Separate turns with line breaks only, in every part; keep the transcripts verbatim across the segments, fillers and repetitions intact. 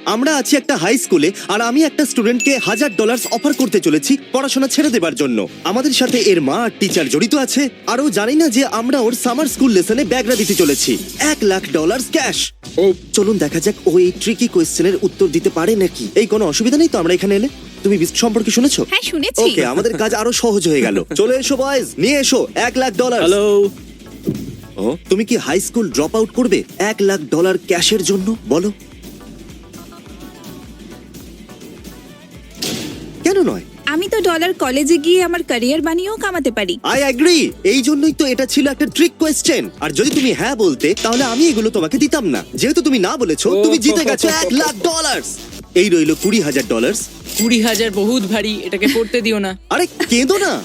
আমরা আছি একটা হাই স্কুলে আর আমি একটা স্টুডেন্টকে হাজার ডলার অফার করতে চলেছি পড়াশোনা ছেড়ে দেবার জন্য। আমাদের সাথে এর মা আর টিচার জড়িত আছে, আর ও জানি না যে আমরা ওর সামার স্কুল লেসনে ব্যাগরা দিতে চলেছি এক লাখ ডলার ক্যাশ।
ও
চলুন দেখা যাক ও এই ট্রিকি কোয়েশ্চেনের উত্তর দিতে পারে নাকি। এই কোনো অসুবিধা নেই তো আমরা এখানে এলে? তুমি বিস্ট সম্পর্কে শুনেছো?
হ্যাঁ শুনেছি।
ওকে, আমাদের কাজ আরো সহজ হয়ে গেল। চলে এসো বয়েজ, নিয়ে এসো এক লাখ ডলার।
হ্যালো।
তুমি কি হাই স্কুল ড্রপ আউট করবে এক লাখ ডলার ক্যাশের জন্য? বলো কেন নয়?
আমি তো ডলার কলেজে গিয়ে আমার ক্যারিয়ার বানিয়েও কামাতে পারি।
I agree. এই জন্যই তো এটা ছিল একটা ট্রিক কোয়েশ্চেন। আর যদি তুমি হ্যাঁ বলতে তাহলে আমি এগুলো তোমাকে দিতাম না। যেহেতু তুমি না বলেছো, তুমি জিতে গেছো এক লাখ ডলার। এই রইলো কুড়ি হাজার ডলার।
কুড়ি হাজার বহুত ভারী, এটাকে পড়তে দিও না।
আরে কেঁদো না,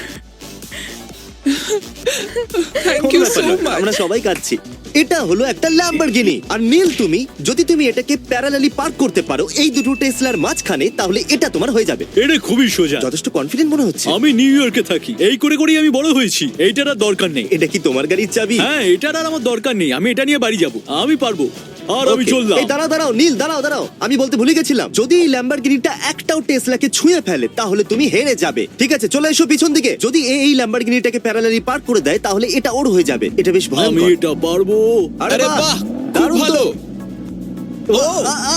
থ্যাংক ইউ সো মাচ।
আমরা সবাই কাঁদছি। এটা হলো একটা ল্যাম্বরগিনি। আর নীল, তুমি যদি তুমি এটাকে প্যারালালি পার্ক করতে পারো এই দুটো টেসলার মাঝখানে, তাহলে এটা তোমার হয়ে যাবে।
এটা খুবই সোজা।
যথেষ্ট কনফিডেন্ট মনে হচ্ছে।
আমি নিউ ইয়র্কে থাকি, এই করে করেই আমি বড় হয়েছি। এইটার আর দরকার নেই।
এটা কি তোমার গাড়ির চাবি?
হ্যাঁ, এটার আর আমার দরকার নেই। আমি এটা নিয়ে বাড়ি যাব, আমি পারবো। আর আমি
Okay.
চললাম।
এই দাঁড়াও দাঁড়াও নীল, দাঁড়াও দাঁড়াও, আমি বলতে ভুলে গেছিলাম, যদি এই ল্যাম্বরগিনিটা একটাও টেসলাকে ছুঁয়ে ফেলে তাহলে তুমি হেরে যাবে। ঠিক আছে, চলে এসো পিছন দিকে। যদি এ এই ল্যাম্বরগিনিটাকে প্যারালালি পার্ক করে দেয় তাহলে এটা ওর হয়ে যাবে। এটা বেশ
আমি
ভয়ঙ্কর।
এটা পারবো।
আরে
আরে
বাহ,
বাহ, খুব
দারুণ তো।
ভালো।
ও, আ, আ।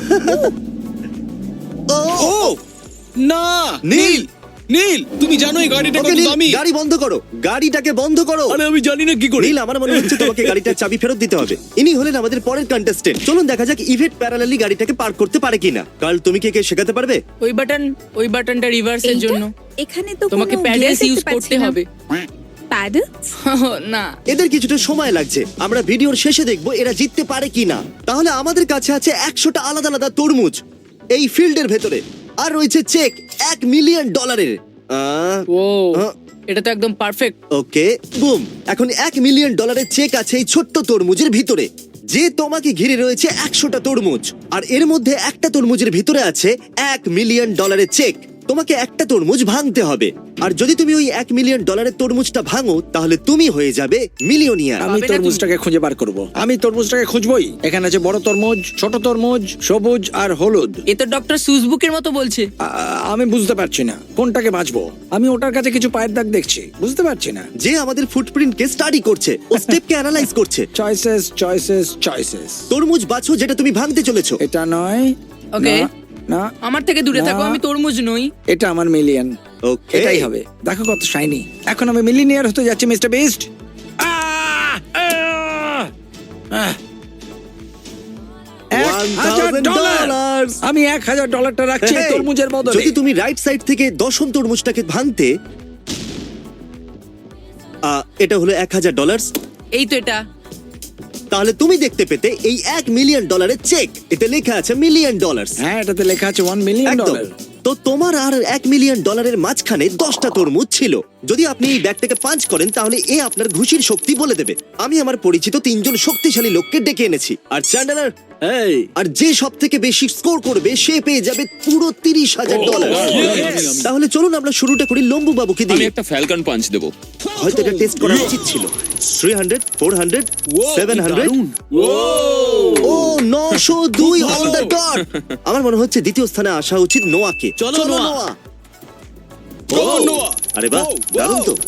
ও,
ও না,
নীল,
নীল, তুমি জানো এই গাড়িটা
ওকে
কত
নীল,
দামি?
গাড়ি বন্ধ করো, গাড়িটাকে বন্ধ করো।
আরে আমি জানি না কি করে।
নীল, আমার মনে হচ্ছে তোমাকে গাড়িটার চাবি ফেরত দিতে হবে। ইনি হলেন আমাদের পরের কন্টেস্টেন্ট। চলুন দেখা যাক ইভেট প্যারালালি গাড়িটাকে পার্ক করতে পারে কিনা। কাল তুমি কে কে শেখাতে পারবে?
ওই বাটন, ওই বাটনটা রিভার্সের
এইটা?
জন্য
এখানে তো
তোমাকে
কোনো
প্যাডেলস
gear
ইউজ
দেখতে
করতে
পাচ্ছি না।
হবে।
প্যাডেল?
না,
এদের কিছুটা সময় লাগছে, আমরা ভিডিওর শেষে দেখবো এরা জিততে পারে কিনা। তাহলে আমাদের কাছে আছে একশোটা আলাদা আলাদা তরমুজ এই ফিল্ডের ভেতরে, আর রয়েছে চেক এক মিলিয়ন ডলারের।
ও
আহ।
এটা তো একদম পারফেক্ট।
ওকে, বুম। এখন এক মিলিয়ন ডলারের চেক আছে এই ছোট্ট তরমুজের ভিতরে, যে তোমাকে ঘিরে রয়েছে একশোটা তরমুজ, আর এর মধ্যে একটা তরমুজের ভিতরে আছে এক মিলিয়ন ডলারের চেক। তোমাকে একটা তরমুজ ভাঙতে হবে, আর যদি তুমি ওই এক মিলিয়ন ডলারের তরমুজটা ভাঙো তাহলে তুমি হয়ে যাবে মিলিয়নিয়ার।
আমি
পাবে নাকি?
তরমুজটাকে খুঁজে বার করব। আমি তরমুজটাকে খুঁজবই। এখানে আছে বড় তরমুজ, ছোট তরমুজ, সবুজ আর হলুদ।
এ তো ডক্টর সুজবুকের মতো বলছে।
আ, আমি বুঝতে পারছি না কোনটাকে বাঁচবো। আমি ওটার কাছে কিছু পায়ের দাগ দেখছি, বুঝতে পারছি না।
যে আমাদের ফুটপ্রিন্টকে স্টাডি করছে, ও স্টেপকে অ্যানালাইজ করছে।
Choices choices choices.
তরমুজ বাছো যেটা তুমি ভাঙতে চলেছো।
এটা নয়।
ওকে।
না, না,
আমার থেকে দূরে
না।
থাকো, আমি তরমুজ নই।
এটা আমার মিলিয়ন।
ওকে,
এটাই হবে। দেখো কত শাইনি। এখন আমি মিলিয়নিয়ার হতে যাচ্ছি মিস্টার বিস্ট।
dollars
আমি এক হাজার ডলারটা রাখছি এই
Hey,
তরমুজের বদলে।
যদি তুমি রাইট সাইড থেকে দশম তরমুজটাকে ভাঙতে, আহ, এটা হলো এক হাজার ডলার,
এই তো এটা।
তাহলে তুমি দেখতে পেতে এই এক মিলিয়ন ডলারের চেক। এতে লেখা আছে মিলিয়ন ডলার।
হ্যাঁ, এটাতে লেখা আছে ওয়ান মিলিয়ন
একদম।
ডলার।
তো তোমার আর এক মিলিয়ন ডলারের মাঝখানে দশটা তরমুজ ছিল। যদি আপনি এই ব্যাগটাকে পাঞ্চ করেন তাহলে এ আপনার ঘুষির শক্তি বলে দেবে। আমি আমার পরিচিত তিনজন শক্তিশালী লোককে ডেকে এনেছি, আর চ্যান্ডেলার,
এই
আর যে সব থেকে বেশি স্কোর করবে সে পেয়ে যাবে পুরো তিরিশ হাজার ডলার।
yes!
তাহলে চলুন আমরা শুরুটা করি লম্বু বাবুকে
আমি
দিয়ে।
একটা ফ্যালকন পাঞ্চ দেবো।
হয়তো এটা টেস্ট করা উচিত ছিল। Three hundred, four hundred, seven hundred, ও নশো দুই অন দ্য ডট। আমার মনে হচ্ছে দ্বিতীয় স্থানে আসা উচিত নোয়াকে।
চলো, নোয়া।
নোয়া।
ও, নোয়া।
আরে বাহ, দারুণ তো।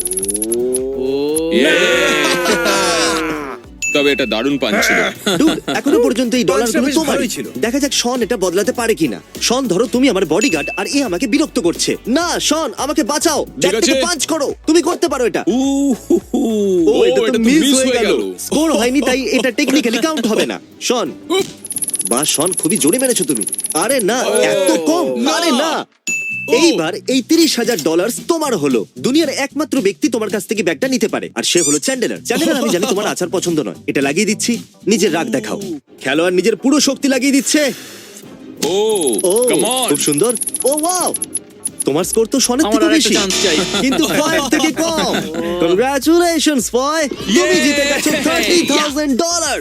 তবে এটা দারুণ পাঞ্চ ছিল।
Dude, এখনো পর্যন্ত এই ডলারগুলো
বেশ
তোমারই
ভালোই ছিল।
দেখা যাক শন এটা বদলাতে পারে কিনা। শন, ধরো তুমি আমার বডিগার্ড আর এ আমাকে বিরক্ত করছে। না শন, আমাকে বাঁচাও, ব্যাগটাকে
আছে।
পাঞ্চ করো, তুমি করতে পারো এটা।
উ, হু, হু।
ও, এটা তো মিস হয়ে গেল।
গেল।
স্কোর হয়নি, তাই এটা টেকনিক্যালি কাউন্ট হবে না। শন, বা শন, খুবই জোরে মেরেছো তুমি। আরে না, এত কম। আরে না। এইবার এই তিরিশ হাজার ডলার তোমার হলো। দুনিয়ার একমাত্র ব্যক্তি তোমার কাছ থেকে ব্যাগটা নিতে পারে, আর সে হলো চ্যান্ডেলার। চ্যান্ডেলার, আমি জানি তোমার আচার পছন্দ নয়, এটা লাগিয়ে দিচ্ছি, নিজের রাগ দেখাও। খেলোয়াড় নিজের পুরো শক্তি লাগিয়ে দিচ্ছে।
ও,
ও,
কাম অন।
খুব সুন্দর। ও ওয়াও, তোমার স্কোর তো শনের
আমার
থেকে
আরেকটা
বেশি,
chance চাই।
কিন্তু ফাইভ থেকে কম। কংগ্রাচুলেশনস ফয়, তুমি জিতে গেছো থার্টি থাউজেন্ড ডলার।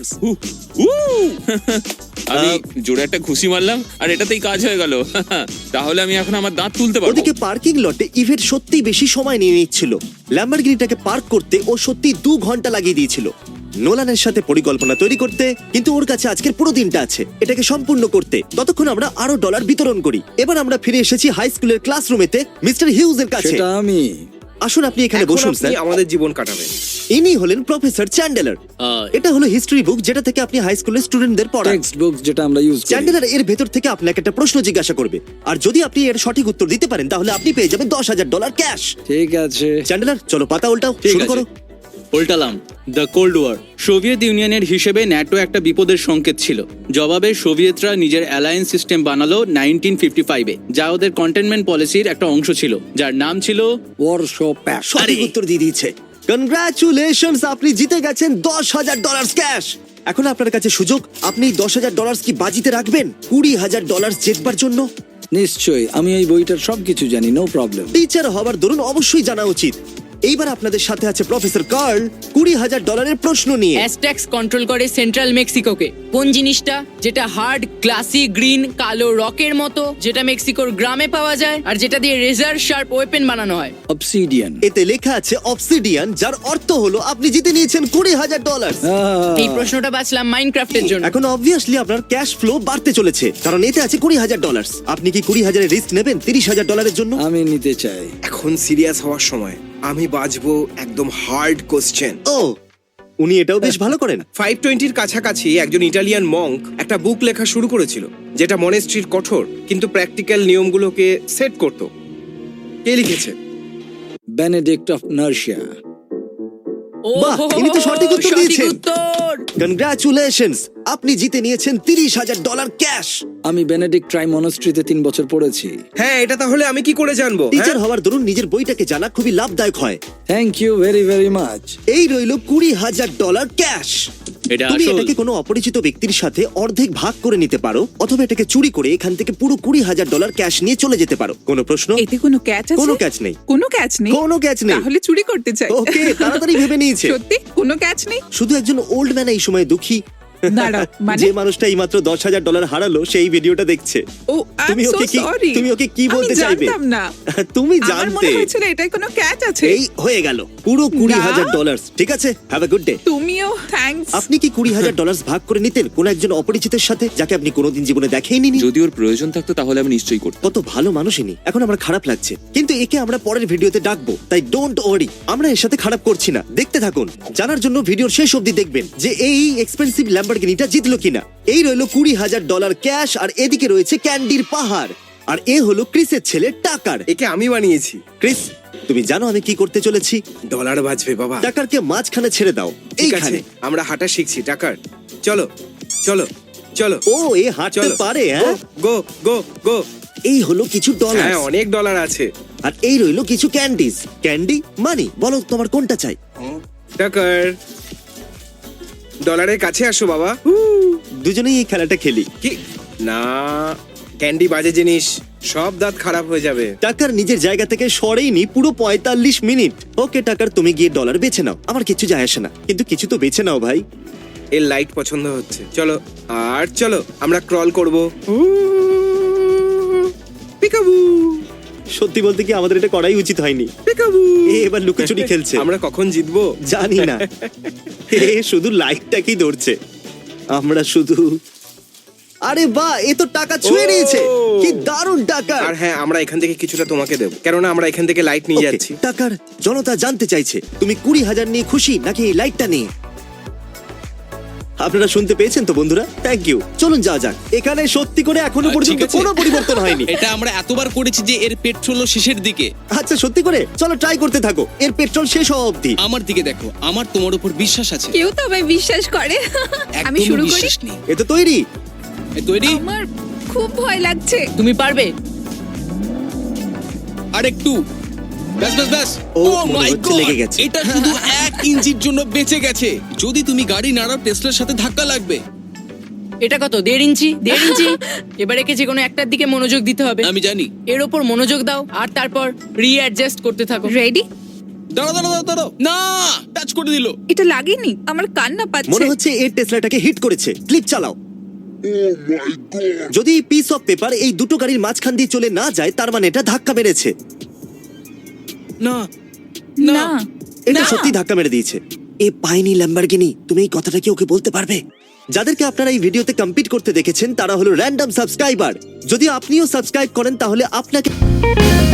আমি জোরে একটা ঘুষি মারলাম আর এটাতেই কাজ হয়ে গেল। তাহলে আমি এখন আমার দাঁত তুলতে পারবো।
ওদিকে পার্কিং লটে ইভেট সত্যি বেশি সময় নিয়ে নিচ্ছিল। ল্যাম্বরগিনিটাকে পার্ক করতে ও সত্যি দু ঘন্টা লাগিয়ে দিয়েছিল। নোলানের সাথে পরিকল্পনা তৈরি করতে, কিন্তু ওর কাছে আজকের পুরো দিনটা আছে এটাকে সম্পূর্ণ করতে। ততক্ষণ আমরা আরো ডলার বিতরণ করি। এবার আমরা ফিরে এসেছি হাই স্কুলের ক্লাসরুমেতে মিস্টার হিউজ এর কাছে।
সেটা আমি।
আসুন আপনি এখানে
এখন
বসুন
আপনি
স্যার।
আমাদের জীবন কাটাবেন।
ইনি হলেন প্রফেসর চ্যান্ডেলার।
আহ,
এটা হলো হিস্ট্রি বুক যেটা থেকে আপনি হাই স্কুলের স্টুডেন্টদের পড়ান।
টেক্সট বুকস যেটা আমরা ইউজ করি।
চ্যান্ডেলার এর ভেতর থেকে আপনাকে একটা প্রশ্ন জিজ্ঞাসা করবে, আর যদি আপনি এর সঠিক উত্তর দিতে পারেন তাহলে আপনি পেয়ে যাবেন দশ হাজার ডলার ক্যাশ।
ঠিক আছে।
চ্যান্ডেলার চলো পাতা উল্টাও,
ঠিক
শুরু
আছে।
করো।
উল্টালাম। The cold war. সোভিয়েত ইউনিয়নের হিসেবে ন্যাটো একটা বিপদের সংকেত ছিল। জবাবে সোভিয়েতরা নিজের অ্যালায়েন্স সিস্টেম বানালো নাইনটিন ফিফটি ফাইভে, যা ওদের কন্টেনমেন্ট পলিসির একটা অংশ ছিল, যার নাম ছিল
ওয়ারশো প্যাক্ট।
সঠিক উত্তর দিয়ে দিয়েছে। কনগ্রাচুলেশনস, আপনি জিতে গেছেন দশ হাজার ডলার ক্যাশ। এখন আপনার কাছে সুযোগ, আপনি দশ হাজার ডলার কি বাজিতে রাখবেন কুড়ি হাজার ডলার জেতবার জন্য?
নিশ্চয়ই, আমি এই বইটার সবকিছু জানি, নো প্রবলেম।
টিচার হবার দরুন অবশ্যই জানা উচিত। এইবার আপনাদের সাথে আছে প্রফেসর কার্ল কুড়ি হাজার ডলারের প্রশ্ন নিয়ে।
অ্যাজটেক্স কন্ট্রোল করে সেন্ট্রাল মেক্সিকোকে। কোন জিনিসটা যেটা হার্ড গ্লাসি গ্রিন কালো রকের মতো, যেটা মেক্সিকোর গ্রামে পাওয়া যায়, আর যেটা দিয়ে রেজার শার্প ওয়েপেন বানানো হয়?
অবসিডিয়ান।
এতে লেখা আছে অবসিডিয়ান, যার অর্থ হলো আপনি জিতে নিয়েছেন কুড়ি হাজার ডলার।
এই প্রশ্নটা বাঁচলাম মাইনক্রাফটের জন্য।
এখন অবভিয়াসলি আপনার ক্যাশ ফ্লো বাড়তে চলেছে, কারণ এতে আছে কুড়ি হাজার ডলার। আপনি কি কুড়ি হাজারের রিস্ক নেবেন তিরিশ হাজার ডলারের জন্য?
আমি নিতে চাই।
এখন সিরিয়াস হওয়ার সময়। আমি বাজবো একদম হার্ড কোশ্চেন।
ও, উনি এটাও বেশ ভালো করেন।
ফাইভ টোয়েন্টির কাছাকাছি একজন ইটালিয়ান মঙ্ক একটা বুক লেখা শুরু করেছিল, যেটা মনেস্ট্রির কঠোর কিন্তু প্র্যাকটিক্যাল নিয়মগুলোকে সেট করত। কে লিখেছে?
Benedict of নার্সিয়া।
ও
বাহ, ইনি তো সঠিক উত্তর
সঠিক
দিয়েছেন।
উত্তর।
কনগ্রাচুলেশনস, আপনি জিতে নিয়েছেন তিরিশ হাজার ডলার ক্যাশ।
আমি বেনেডিক্ট ট্রাই মনস্ট্রিতে তিন বছর পড়েছি।
হ্যাঁ, এটা তাহলে আমি কি করে জানবো?
টিচার
হ্যাঁ?
হওয়ার দরুন নিজের বইটাকে জানা খুবই লাভদায়ক হয়।
Thank you very very much.
এই রইল কুড়ি হাজার ডলার ক্যাশ।
এটা
তুমি
আসল।
এটাকে কোনো অপরিচিত ব্যক্তির সাথে অর্ধেক ভাগ করে নিতে পারো, অথবা এটাকে চুরি করে এখান থেকে পুরো কুড়ি হাজার ডলার ক্যাশ নিয়ে চলে যেতে পারো। কোনো প্রশ্ন?
এতে কোনো ক্যাচ আছে?
কোনো ক্যাচ নেই।
কোনো ক্যাচ নেই?
কোনো ক্যাচ নেই।
তাহলে চুরি করতে চাই।
ওকে, তাড়াতাড়ি ভেবে নিয়েছে।
সত্যি কোনো ক্যাচ নেই?
শুধু একজন ওল্ড ম্যান এই সময় দুঃখী।
দাঁড়াও, মানে?
যে মানুষটা এই মাত্র দশ হাজার ডলার হারালো সেই ভিডিওটা দেখছে।
ও, আই
তুমি
এম সো
ওকে কি
সরি।
তুমি ওকে কি বলতে চাইবে?
আমি জানতাম না।
তুমি
আমার
জানতে।
মনে হয়েছিল এটাই কোনো ক্যাচ আছে।
এই হয়ে গেল পুরো কুড়ি
না।
হাজার ডলার। ঠিক আছে, হ্যাভ এ গুড ডে।
তুমিও থ্যাঙ্কস।
আপনি কি কুড়ি হাজার ডলার ভাগ করে নিতেন কোন একজন অপরিচিতের সাথে, যাকে আপনি কোনোদিন জীবনে দেখেইনি?
যদি ওর প্রয়োজন থাকতো তাহলে আমি নিশ্চয়ই করতাম।
কত ভালো মানুষ ইনি। এখন আমার খারাপ লাগছে, কিন্তু একে আমরা পরের ভিডিওতে ডাকবো, তাই ডোন্ট ওয়ারি। আমরা এর সাথে খারাপ করছি না, দেখতে থাকুন। জানার জন্য ভিডিওর শেষ অবধি দেখবেন যে এই এক্সপেন্সিভ ল্যাম্বরগিনিটা জিতলো কিনা। এই রইলো কুড়ি হাজার ডলার ক্যাশ, আর এদিকে রয়েছে ক্যান্ডির পাহাড়। আর এ হলো ক্রিসের ছেলে টাকার।
একে আমি বানিয়েছি।
ক্রিস, তুমি জানো আমি কি করতে চলেছি?
ডলার বাজবে বাবা।
টাকারকে মাঝখানে ছেড়ে দাও,
ঠিক আছে,
এইখানে।
আমরা হাঁটা শিখছি। টাকার, চলো চলো চলো।
ও, এ হাঁটতে
চলো
পারে, হ্যাঁ?
গো গো গো।
এই হলো কিছু ডলার,
হ্যাঁ, অনেক ডলার আছে।
আর এই রইলো কিছু ক্যান্ডিজ। ক্যান্ডি মানি, বলো তোমার কোনটা চাই?
টাকার, ডলারের কাছে আসো বাবা।
দুজনেই এই খেলাটা খেলি।
কি না, ক্যান্ডি বাজে জিনিস, সব দাঁত খারাপ হয়ে যাবে।
টাকার নিজের জায়গা থেকে সরেইনি পুরো পঁয়তাল্লিশ মিনিট। ওকে টাকার, তুমি গিয়ে ডলার বেছে নাও, আমার কিছু যায় আসে না, কিন্তু কিছু তো বেছে নাও ভাই।
এর লাইট পছন্দ হচ্ছে। চলো আর চলো, আমরা ক্রল করব। পিকাবু
সত্যি বলতে কি আমাদের এটা করাই উচিত হয়নি।
পিকাবু।
এ এবার লুকোচুরি খেলছে।
আমরা কখন জিতবো
জানি না। এ শুধু লাইটটাকেই ধরছে, আমরা শুধু। আরে বাহ, এ তো টাকা ছুঁয়ে
ও!
নিয়েছে। কি দারুণ টাকা।
আর হ্যাঁ, আমরা এখান থেকে কিছুটা তোমাকে দেবো, কেননা আমরা এখান থেকে লাইট নিয়ে যাচ্ছি।
টাকার জনতা জানতে চাইছে তুমি কুড়ি হাজার নিয়ে খুশি নাকি এই লাইটটা নিয়ে। আপনারা শুনতে পেয়েছেন তো বন্ধুরা, থ্যাংক ইউ। চলুন যাওয়া যাক। এখানে সত্যি করে এখনো
আহ,
পর্যন্ত
ঠিক আছে।
কোনো পরিবর্তন হয়নি।
এটা আমরা এতবার করেছি যে এর পেট্রোলও শেষের দিকে।
আচ্ছা সত্যি করে, চলো ট্রাই করতে থাকো এর পেট্রোল শেষ হওয়া অবধি।
আমার দিকে দেখো, আমার তোমার উপর বিশ্বাস আছে।
কেউ তো আমায় বিশ্বাস করে। আমি
একদমই
শুরু করি।
বিশ্বাস নেই।
এ তো তৈরি।
এই তৈরি?
আমার খুব ভয় লাগছে।
তুমি পারবে।
আর একটু। ব্যাস ব্যাস ব্যাস।
ও,
Oh
মনে
my
হচ্ছে
God!
লেগে গেছে।
এটা শুধু এক ইঞ্চির জন্য বেঁচে গেছে। যদি তুমি গাড়ি নাড়াও টেসলার সাথে ধাক্কা লাগবে।
এটা কত? দেড় ইঞ্চি দেড় ইঞ্চি এবার একে যে কোনো একটার দিকে মনোযোগ দিতে হবে।
আমি জানি।
এর ওপর মনোযোগ দাও আর তারপর রিঅ্যাডজাস্ট করতে থাকো।
রেডি?
দাঁড়াও দাঁড়াও দাঁড়াও, দাঁড়াও। না, টাচ করে দিল।
এটা লাগেনি, আমার কান্না
মনে
পাচ্ছে।
হচ্ছে এর টেসলাটাকে হিট করেছে। ক্লিপ চালাও। যদি পিস অফ পেপার এই দুটো গাড়ির মাঝখান দিয়ে চলে না যায়, তার মানে এটা ধাক্কা মেরেছে।
না
না,
এটা
না।
সত্যি ধাক্কা মেরে দিয়েছে। এ পায়নি ল্যাম্বরগিনি। তুমি এই কথাটা কি ওকে বলতে পারবে? যাদেরকে আপনারা এই ভিডিওতে কম্পিট করতে দেখেছেন তারা হলো র্যান্ডম সাবস্ক্রাইবার। যদি আপনিও সাবস্ক্রাইব করেন তাহলে আপনাকে